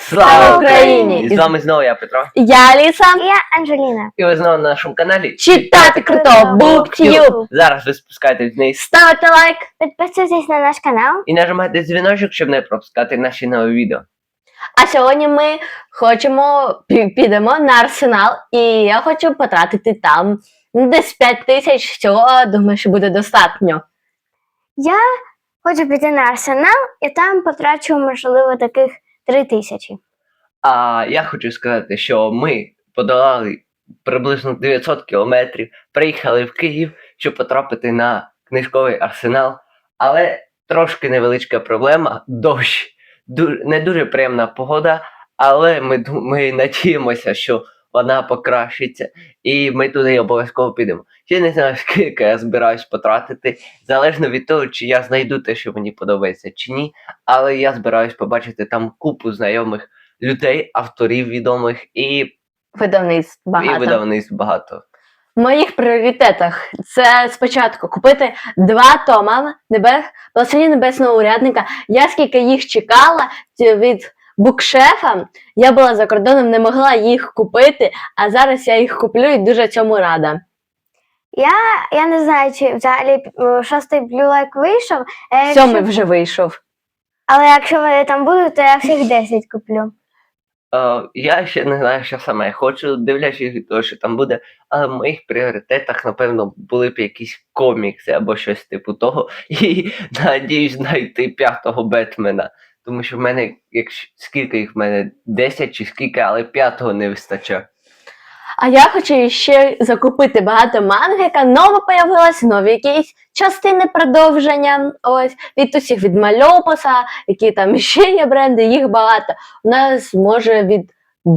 Слава Україні! І з вами знову я, Петро. Я Аліса. І я Анжеліна. І ви знову на нашому каналі Читати круто! BookTube! Зараз ви спускаєтесь вниз Ставте лайк! Підписуйтесь на наш канал. і нажимайте дзвіночок, щоб не пропускати наші нові відео. А сьогодні ми підемо на Арсенал, і я хочу потратити там десь 5 тисяч, цього, думаю, що буде достатньо. Я хочу піти на Арсенал і там потрачу, можливо, таких 3 тисячі. А я хочу сказати, що ми подолали приблизно 900 кілометрів, приїхали в Київ, щоб потрапити на книжковий Арсенал, але трошки невеличка проблема – дощ. Не дуже приємна погода, але ми надіємося, що вона покращиться, і ми туди обов'язково підемо. Я не знаю, скільки я збираюсь потратити, залежно від того, чи я знайду те, що мені подобається, чи ні, але я збираюсь побачити там купу знайомих людей, авторів відомих і Видавництв багато. видавництв багато. В моїх пріоритетах це спочатку купити 2 тома «Благословення небесного урядника». Я скільки їх чекала від букшефа, я була за кордоном, не могла їх купити, а зараз я їх куплю і дуже цьому рада. Я не знаю, чи взагалі 6-й Blue Like вийшов. 7-й вже вийшов. Але якщо вони там будуть, то я всіх 10 куплю. Я ще не знаю, що саме я хочу, дивлячись від того, що там буде, але в моїх пріоритетах, напевно, були б якісь комікси або щось типу того. І надіюсь знайти 5-го Бетмена. Тому що в мене, скільки їх в мене, 10 чи скільки, але 5-го не вистачає. А я хочу ще закупити багато манги, яка нова появилась, нові якісь частини продовження, ось, від усіх, від Мальопуса, які там ще є бренди, їх багато. У нас, може, від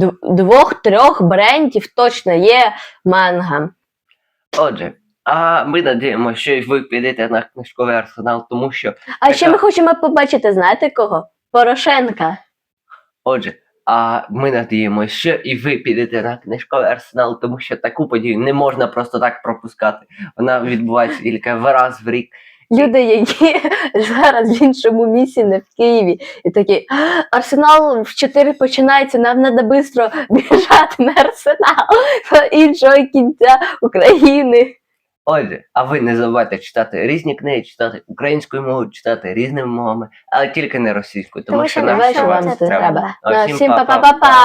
2-3 брендів точно є манга. Отже, а ми надіємося, що і ви підете на книжковий Арсенал, тому що... А ще ми хочемо побачити, знаєте кого? Порошенка. Отже, а ми надіємося, що і ви підете на книжковий Арсенал, тому що таку подію не можна просто так пропускати. Вона відбувається тільки раз в рік. Люди, які зараз в іншому місці, не в Києві, і такі: Арсенал в 4 починається, нам треба швидко біжати на Арсенал до іншого кінця України. Отже, а ви не забувайте читати різні книги, читати українською мовою, читати різними мовами, але тільки не російською, тому що нам вам це треба. Ну, Всім па-па-па. па-па-па-па!